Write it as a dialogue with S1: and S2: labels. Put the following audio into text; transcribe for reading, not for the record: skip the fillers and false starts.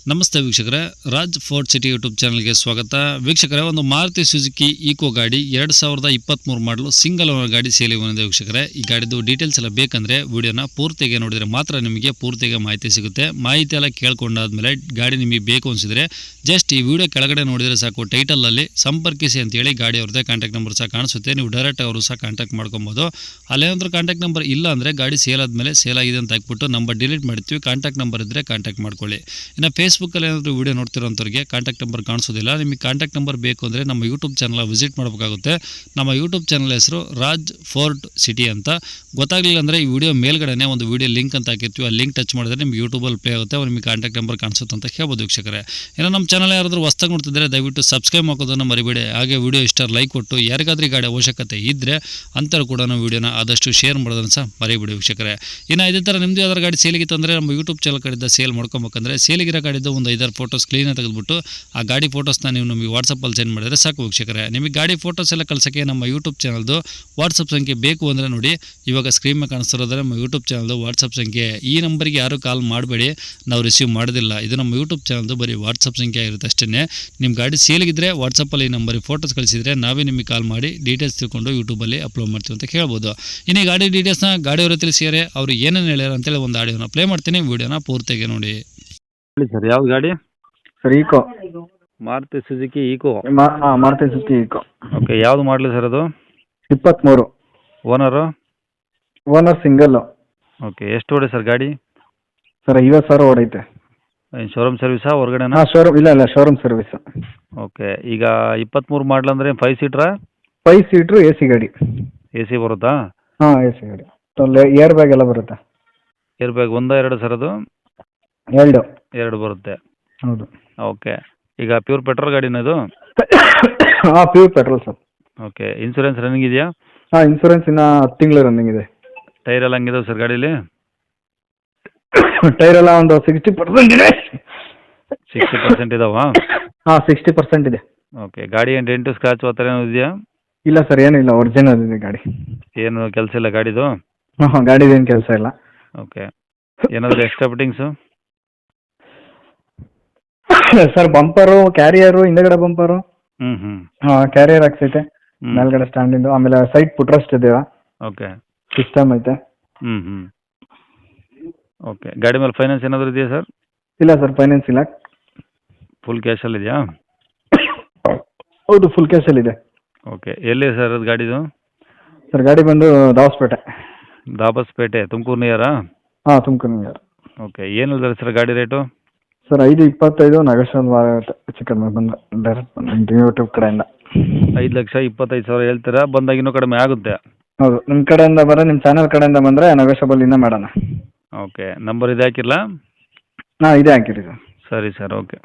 S1: ನಮಸ್ತೆ ವೀಕ್ಷಕರೇ, Raj fort city YouTube ಚಾನಲ್ಗೆ ಸ್ವಾಗತ. ವೀಕ್ಷಕರೇ, ಒಂದು ಮಾರುತಿ ಸುಜುಕಿ ಈಕೋ ಗಾಡಿ 2023 ಮಾಡಲು ಸಿಂಗಲ್ ಓನರ್ ಗಾಡಿ ಸೇಲಿಗೆ ಬಂದಿದೆ. ವೀಕ್ಷಕರೇ, ಈ ಗಾಡಿದು ಡೀಟೇಲ್ಸ್ ಎಲ್ಲ ಬೇಕಂದರೆ ವಿಡಿಯೋನ ಪೂರ್ತಿಗೆ ನೋಡಿದರೆ ಮಾತ್ರ ನಿಮಗೆ ಪೂರ್ತಿಗೆ ಮಾಹಿತಿ ಸಿಗುತ್ತೆ. ಮಾಹಿತಿ ಎಲ್ಲ ಕೇಳ್ಕೊಂಡಾದ್ಮೇಲೆ ಗಾಡಿ ನಿಮಗೆ ಬೇಕು ಅನಿಸಿದರೆ ಜಸ್ಟ್ ಈ ವಿಡಿಯೋ ಕೆಳಗಡೆ ನೋಡಿದರೆ ಸಾಕು, ಟೈಟಲಲ್ಲಿ ಸಂಪರ್ಕಿಸಿ ಅಂತೇಳಿ ಗಾಡಿ ಅವ್ರದ್ದೇ ಕಾಂಟ್ಯಾಕ್ಟ್ ನಂಬರ್ ಸಹ ಕಾಣಿಸುತ್ತೆ. ನೀವು ಡೈರೆಕ್ಟ್ ಅವರು ಸಹ ಕಾಂಟ್ಯಾಕ್ಟ್ ಮಾಡ್ಕೊಬೋದು. ಅಲ್ಲೇನಾದ್ರೂ ಕಾಂಟ್ಯಾಕ್ಟ್ ನಂಬರ್ ಇಲ್ಲ ಅಂದರೆ ಗಾಡಿ ಸೇಲ್ ಆದಮೇಲೆ ಸೇಲ್ ಆಗಿದೆ ಅಂತ ಹಾಕ್ಬಿಟ್ಟು ನಂಬರ್ ಡಿಲೀಟ್ ಮಾಡ್ತೀವಿ. ಕಾಂಟ್ಯಾಕ್ಟ್ ನಂಬರ್ ಇದ್ದರೆ ಕಾಂಟ್ಯಾಕ್ಟ್ ಮಾಡ್ಕೊಳ್ಳಿ. ಇನ್ನು ಫೇಸ್ಬುಕ್ಕಲ್ಲಿ ಏನಾದರೂ ವಿಡಿಯೋ ನೋಡ್ತಿರೋಂಥವ್ರಿಗೆ ಕಾಂಟ್ಯಾಕ್ಟ್ ನಂಬರ್ ಕಾಣಿಸೋದಿಲ್ಲ. ನಿಮಗೆ ಕಾಂಟ್ಯಾಕ್ಟ್ ನಂಬರ್ ಬೇಕು ಅಂದರೆ ನಮ್ಮ ಯೂಟ್ಯೂಬ್ ಚಾನಲ್ ವಿಸಿಟ್ ಮಾಡಬೇಕಾಗುತ್ತೆ. ನಮ್ಮ ಯೂಟ್ಯೂಬ್ ಚಾನಲ್ ಹೆಸರು ರಾಜ್ ಫೋರ್ಟ್ ಸಿಟಿ ಅಂತ. ಗೊತ್ತಾಗಲಿಲ್ಲ ಅಂದರೆ ಈ ವಿಡಿಯೋ ಮೇಲ್ಗಡೆ ಒಂದು ವಿಡಿಯೋ ಲಿಂಕ್ ಅಂತ ಹಾಕಿರ್ತೀವಿ. ಆ ಲಿಂಕ್ ಟಚ್ ಮಾಡಿದ್ರೆ ನಿಮ್ಗೆ ಯೂಟ್ಯೂಬಲ್ಲಿ ಪ್ಲೇ ಆಗುತ್ತೆ. ನಿಮಗೆ ಕಾಂಟ್ಯಾಕ್ಟ್ ನಂಬರ್ ಕಾಣಿಸುತ್ತೆ ಅಂತ ಹೇಳ್ಬೋದು ವೀಕ್ಷಕರೇ. ಇನ್ನು ನಮ್ಮ ಚಾನಲ್ ಯಾರಾದರೂ ಹೊಸ್ದಾಗಿ ನೋಡ್ತಿದ್ರೆ ದಯವಿಟ್ಟು ಸಬ್ಸ್ಕ್ರೈಬ್ ಮಾಡೋದನ್ನು ಮರಿಬೇಡಿ. ಹಾಗೆ ವಿಡಿಯೋ ಇಷ್ಟ ಲೈಕ್ ಕೊಟ್ಟು ಯಾರಿಗಾದ್ರೂ ಗಾಡಿ ಅವಶ್ಯಕತೆ ಇದ್ದರೆ ಅಂಥವ್ರು ಕೂಡ ನಾವು ವಿಡಿಯೋನ ಆದಷ್ಟು ಶೇರ್ ಮಾಡೋದನ್ನು ಸಹ ಮರಿಬೇಡಿ ವೀಕ್ಷಕರೇ. ಇನ್ನು ಇದೇ ಥರ ನಿಮ್ಮದು ಯಾವ್ದಾರು ಗಾಡಿ ಸೇಲಿಗಿತ್ತು ಅಂದರೆ ನಮ್ಮ ಯೂಟ್ಯೂಬ್ ಚಾನಲ್ ಕಡೆಯಿಂದ ಸೇಲ್ ಮಾಡ್ಕೊಬೇಕಂದ್ರೆ ಸೇಲಿಗಿರೋ ಗಾಡಿದ್ದು ಒಂದು 5-6 ಫೋಟೋಸ್ ಕ್ಲೀನಾಗಿ ತೆಗೆದುಬಿಟ್ಟು ಆ ಗಾಡಿ ಫೋಟೋಸ್ನ ನೀವು ನಮಗೆ ವಾಟ್ಸಪ್ಪಲ್ಲಿ ಸೆಂಡ್ ಮಾಡಿದರೆ ಸಾಕು ವೀಕ್ಷಕರೇ. ನಿಮಗೆ ಗಾಡಿ ಫೋಟೋಸ್ ಎಲ್ಲ ಕಳ್ಸೋಕ್ಕೆ ನಮ್ಮ ಯೂಟ್ಯೂಬ್ ಚಾನಲ್ದು ವಾಟ್ಸಪ್ ಸಂಖ್ಯೆ ಬೇಕು ಅಂದರೆ ನೋಡಿ, ಇವಾಗ ಸ್ಕ್ರೀನ್ ಮೇಲೆ ಕಾಣಿಸ್ತಿರೋದ್ರೆ ನಮ್ಮ ಯೂಟ್ಯೂಬ್ ಚಾನಲ್ದು ವಾಟ್ಸಪ್ ಸಂಖ್ಯೆ. ಈ ನಂಬರಿಗೆ ಯಾರೂ ಕಾಲ್ ಮಾಡಬೇಡಿ, ನಾವು ರಿಸೀವ್ ಮಾಡೋದಿಲ್ಲ. ಇದು ನಮ್ಮ ಯೂಟ್ಯೂಬ್ ಚಾನಲ್ದು ಬರೀ ವಾಟ್ಸಪ್ ಸಂಖ್ಯೆ ಆಗಿರುತ್ತೆ ಅಷ್ಟೇ. ನಿಮ್ಮ ಗಾಡಿ ಸೇಲಿಗಿದ್ರೆ ವಾಟ್ಸಪ್ಪಲ್ಲಿ ಈ ನಂಬರಿಗೆ ಫೋಟೋಸ್ ಕಳಿಸಿದರೆ ನಾವೇ ನಿಮಗೆ ಕಾಲ್ ಮಾಡಿ ಡೀಟೇಲ್ಸ್ ತಿಳ್ಕೊಂಡು ಯೂಟ್ಯೂಬಲ್ಲಿ ಅಪ್ಲೋಡ್ ಮಾಡ್ತೀವಿ ಅಂತ ಹೇಳ್ಬೋದು. ಇನ್ನು ಈ ಗಾಡಿ ಡೀಟೇಲ್ಸ್ನ ಗಾಡಿಯವರು ತಿಳಿಸಿದರೆ ಅವರು ಏನೇನು ಹೇಳ್ಯಾರ ಅಂತೇಳಿ ಒಂದು ಆಡಿಯೋನ ಪ್ಲೇ ಮಾಡ್ತೀನಿ. ವಿಡಿಯೋನ ಪೂರ್ತಿಯಾಗಿ ನೋಡಿ.
S2: ಸರ್ ಯಾವ್ದು ಗಾಡಿ?
S3: Sir Eeco,
S2: Maruti Suzuki Eeco.
S3: Maruti Suzuki Eeco.
S2: Okay, ಯಾವ್ದು ಮಾಡಲಿ ಸರ್ ಅದು?
S3: 23.
S2: ಓನರು?
S3: Owner single.
S2: ಓಕೆ, ಎಷ್ಟು ಓಡಿ ಸರ್ ಗಾಡಿ?
S3: ಸರ್ 50,000 ಓಡೈತೆ.
S2: ಶೋರೂಮ್ ಸರ್ವಿಸಾ ಹೊರಗಡೆನಾ?
S3: ಶೋರೂಮ್ ಇಲ್ಲ ಶೋರೂಮ್ ಸರ್ವಿಸ್.
S2: ಓಕೆ, ಈಗ 23 ಮಾಡಲ್ ಅಂದರೆ 5 ಸೀಟ್ರಾ?
S3: 5 ಸೀಟ್ರು AC ಗಾಡಿ.
S2: AC ಬರುತ್ತಾ?
S3: ಹಾಂ, AC ಗಾಡಿ. ಏರ್ ಬ್ಯಾಗ್ ಎಲ್ಲ ಬರುತ್ತೆ.
S2: ಏರ್ ಬ್ಯಾಗ್ ಒಂದಾ ಎರಡು ಸರ್ ಅದು?
S3: 2
S2: ಬರುತ್ತೆ.
S3: ಹೌದು.
S2: ಓಕೆ, ಈಗ ಪ್ಯೂರ್ ಪೆಟ್ರೋಲ್ ಗಾಡಿನ ಇದು?
S3: ಹಾಂ, pure petrol sir.
S2: Okay, insurance running ಇದೆಯಾ?
S3: ಹಾಂ, ಇನ್ಸೂರೆನ್ಸ್ ಇನ್ನು 10 ತಿಂಗಳು ರನ್ನಿಂಗ್ ಇದೆ.
S2: ಟೈರ್ ಎಲ್ಲ ಹಂಗಿದಾವೆ ಸರ್ ಗಾಡೀಲಿ?
S3: ಟೈರ್ ಎಲ್ಲ ಒಂದು 60% ಇದೆ.
S2: 60% ಇದಾವಾ?
S3: ಹಾಂ, 60% ಇದೆ.
S2: ಓಕೆ, ಗಾಡಿ ಏನು ಡೆಂಟು ಸ್ಕ್ರಾಚ್ ಆ ಥರ ಏನೋ ಇದೆಯಾ?
S3: ಇಲ್ಲ ಸರ್, ಏನಿಲ್ಲ, ಒರಿಜಿನಲ್ ಇದೆ ಗಾಡಿ.
S2: ಏನು ಕೆಲಸ ಇಲ್ಲ ಗಾಡಿದು?
S3: ಹಾಂ, ಗಾಡಿದೇನು ಕೆಲಸ ಇಲ್ಲ.
S2: ಓಕೆ, ಏನಾದರೂ extra fittings?
S3: Sir bumper, carrier, ಹಿಂದಗಡೆ ಬಂಪರು.
S2: ಹ್ಞೂ
S3: ಹಾಂ, ಕ್ಯಾರಿಯರ್ ಹಾಕ್ಸೈತೆ ಮೇಲ್ಗಡೆ ಸ್ಟ್ಯಾಂಡಿಂದು. ಆಮೇಲೆ ಸೈಡ್ ಪುಟ್ರಸ್ಟ್ ಇದೆಯಾ?
S2: ಓಕೆ,
S3: ಸಿಸ್ಟಮ್ ಐತೆ.
S2: ಹ್ಞೂ ಓಕೆ, ಗಾಡಿ ಮೇಲೆ ಫೈನಾನ್ಸ್ ಏನಾದರೂ ಇದೆಯಾ ಸರ್?
S3: ಇಲ್ಲ ಸರ್, ಫೈನಾನ್ಸ್ ಇಲ್ಲ.
S2: ಫುಲ್ ಕ್ಯಾಶಲ್ಲಿ ಇದೆಯಾ?
S3: ಹೌದು, ಫುಲ್ ಕ್ಯಾಶಲ್ಲಿ ಇದೆ.
S2: ಓಕೆ, ಎಲ್ಲಿ ಸರ್ ಅದು ಗಾಡಿದು?
S3: ಸರ್ ಗಾಡಿ ಬಂದು ದಾವಸ್ಪೇಟೆ.
S2: ದಾಬಸ್ಪೇಟೆ, ತುಮಕೂರು ನಿಯರಾ?
S3: ಹಾಂ, ತುಮಕೂರು ನಿಯರ್.
S2: ಓಕೆ, ಏನು ಹೇಳಿದ್ರೆ ಸರ್ ಗಾಡಿ ರೇಟು?
S3: ಸರ್ 5.25 ನಗೇಶ್ವರ ಚಿಕನ್ ಬಂದು ಡೈರೆಕ್ಟ್ ಬಂದು ಯೂಟ್ಯೂಬ್ ಕಡೆಯಿಂದ.
S2: 5,25,000 ಹೇಳ್ತೀರಾ? ಬಂದಾಗ ಇನ್ನೂ ಕಡಿಮೆ ಆಗುತ್ತೆ?
S3: ಹೌದು, ನಿಮ್ಮ ಕಡೆಯಿಂದ ನಿಮ್ಮ ಚಾನಲ್ ಕಡೆಯಿಂದ ಬಂದರೆ ನಗೇಶಬಲ್ಲಿಂದ ಮಾಡೋಣ.
S2: ಓಕೆ, ನಂಬರ್ ಇದೆ ಹಾಕಿರಲಾ?
S3: ಹಾಂ, ಇದೇ ಹಾಕಿರಿ ಸರ್.
S2: ಸರಿ ಸರ್, ಓಕೆ.